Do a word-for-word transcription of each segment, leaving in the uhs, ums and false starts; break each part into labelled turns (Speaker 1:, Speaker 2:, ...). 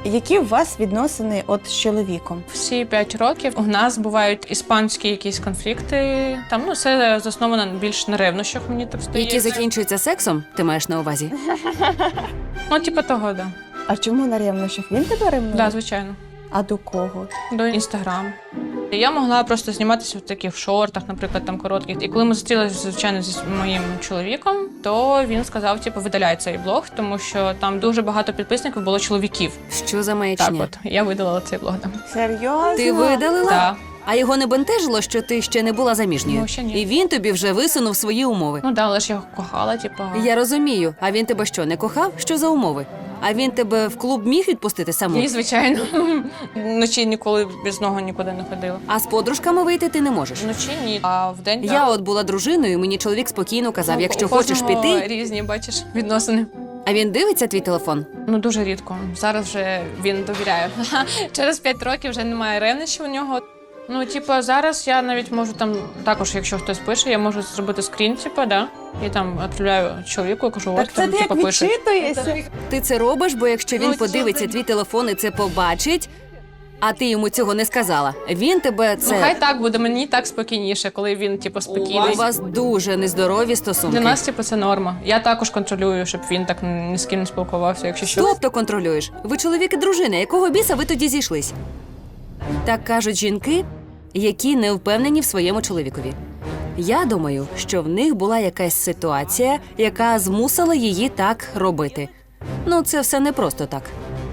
Speaker 1: Які у вас відносини от з чоловіком?
Speaker 2: Всі п'ять років у нас бувають іспанські якісь конфлікти. Там ну все засновано більш на ревнощах, мені так здається.
Speaker 3: Які закінчуються сексом, ти маєш на увазі?
Speaker 2: Ну, типу того, да.
Speaker 1: А чому на ревнощах? Він тебе ревнує?
Speaker 2: Да, звичайно.
Speaker 1: А до кого?
Speaker 2: До Інстаграм. Я могла просто зніматися в таких шортах, наприклад, там коротких. І коли ми зустрілися, звичайно, зі моїм чоловіком, то він сказав, типу, видаляй цей блог, тому що там дуже багато підписників було чоловіків.
Speaker 3: Що за маячня?
Speaker 2: Так от, я видалила цей блог. Там.
Speaker 1: Серйозно?
Speaker 3: Ти видалила?
Speaker 2: Так.
Speaker 3: А його не бентежило, що ти ще не була заміжньою?
Speaker 2: Ну, ще ні.
Speaker 3: І він тобі вже висунув свої умови.
Speaker 2: Ну да, але ж я його кохала, типу.
Speaker 3: Я розумію. А він тебе що, не кохав? Що за умови? А він тебе в клуб міг відпустити саму?
Speaker 2: Ні, звичайно. Вночі ніколи без нього нікуди не ходила.
Speaker 3: А з подружками вийти ти не можеш?
Speaker 2: Вночі ні, а вдень
Speaker 3: Я от була дружиною, мені чоловік спокійно казав,
Speaker 2: Ну,
Speaker 3: якщо
Speaker 2: у
Speaker 3: хочеш
Speaker 2: кожного
Speaker 3: піти.
Speaker 2: різні, бачиш, відносини.
Speaker 3: А він дивиться твій телефон?
Speaker 2: Ну, дуже рідко. Зараз вже він довіряє. Через п'ять років вже немає ревнощів у нього. Ну, типу, зараз я навіть можу там, також, якщо хтось пише, я можу зробити скрін, типу, да, і там відправляю чоловіку і кажу,
Speaker 1: Так
Speaker 2: от
Speaker 1: це
Speaker 2: там,
Speaker 1: ти
Speaker 2: типу,
Speaker 1: як
Speaker 2: пише.
Speaker 1: відчитуєшся?
Speaker 3: Ти це робиш, бо якщо він
Speaker 2: Ну,
Speaker 3: подивиться твій телефон і це побачить, а ти йому цього не сказала, він тебе
Speaker 2: Ну,
Speaker 3: це...
Speaker 2: хай так буде, мені так спокійніше, коли він, типу, спокійний.
Speaker 3: У вас дуже нездорові стосунки.
Speaker 2: Для нас, типу, це норма. Я також контролюю, щоб він так ні з ким не спілкувався, якщо що.
Speaker 3: Тобто контролюєш? Ви чоловік і дружина, якого біса ви тоді зійшлись? Так кажуть жінки, які не впевнені в своєму чоловікові. Я думаю, що в них була якась ситуація, яка змусила її так робити. Ну, це все не просто так.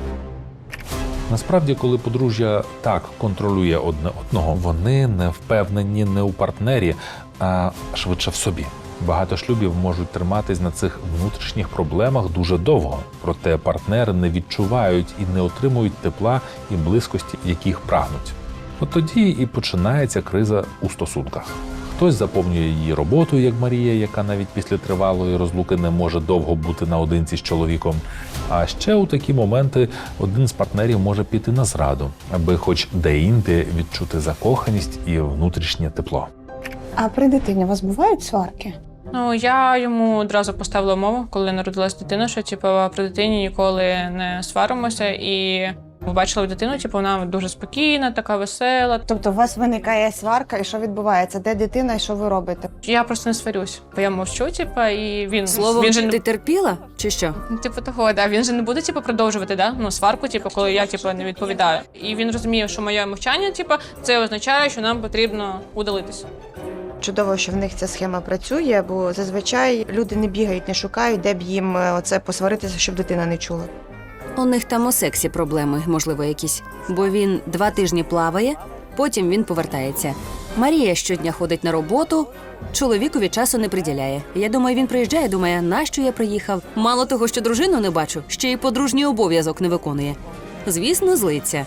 Speaker 4: Насправді, коли подружжя так контролює одне одного, вони не впевнені не у партнері, а швидше в собі. Багато шлюбів можуть триматись на цих внутрішніх проблемах дуже довго, проте партнери не відчувають і не отримують тепла і близькості, яких прагнуть. От тоді і починається криза у стосунках. Хтось заповнює її роботою, як Марія, яка навіть після тривалої розлуки не може довго бути наодинці з чоловіком. А ще у такі моменти один з партнерів може піти на зраду, аби хоч де-інде відчути закоханість і внутрішнє тепло.
Speaker 1: А при дитині у вас бувають сварки?
Speaker 2: Ну, я йому одразу поставила умову, коли народилась дитина, що типу, при дитині ніколи не сваримося. І побачила дитину, типу, вона дуже спокійна, така весела.
Speaker 1: Тобто у вас виникає сварка, і що відбувається? Де дитина і що ви робите?
Speaker 2: Я просто не сварюсь, бо я мовчу, типу, і він...
Speaker 3: Словом,
Speaker 2: він же
Speaker 3: ти
Speaker 2: не...
Speaker 3: терпіла чи що?
Speaker 2: Типу того, да. Він же не буде типу, продовжувати да? ну, сварку, типу, коли я типу, не відповідаю. І він розуміє, що моє мовчання типу, це означає, що нам потрібно удалитися.
Speaker 1: Чудово, що в них ця схема працює, бо зазвичай люди не бігають, не шукають, де б їм е, оце посваритися, щоб дитина не чула.
Speaker 3: У них там у сексі проблеми, можливо, якісь. Бо він два тижні плаває, потім він повертається. Марія щодня ходить на роботу, чоловікові часу не приділяє. Я думаю, він приїжджає, думає, нащо я приїхав? Мало того, що дружину не бачу, ще й подружній обов'язок не виконує. Звісно, злиться.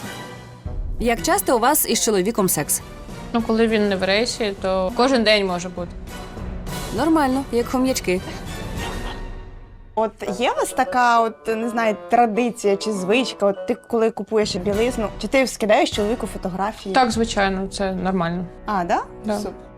Speaker 3: Як часто у вас із чоловіком секс?
Speaker 2: Ну, коли він не в рейсі, то кожен день може бути.
Speaker 3: Нормально, як хом'ячки.
Speaker 1: От є у вас така, от не знаю, традиція чи звичка? От ти коли купуєш білизну, чи ти скидаєш чоловіку фотографії?
Speaker 2: Так, звичайно, це нормально.
Speaker 1: А, да?
Speaker 2: Да.
Speaker 1: Супер.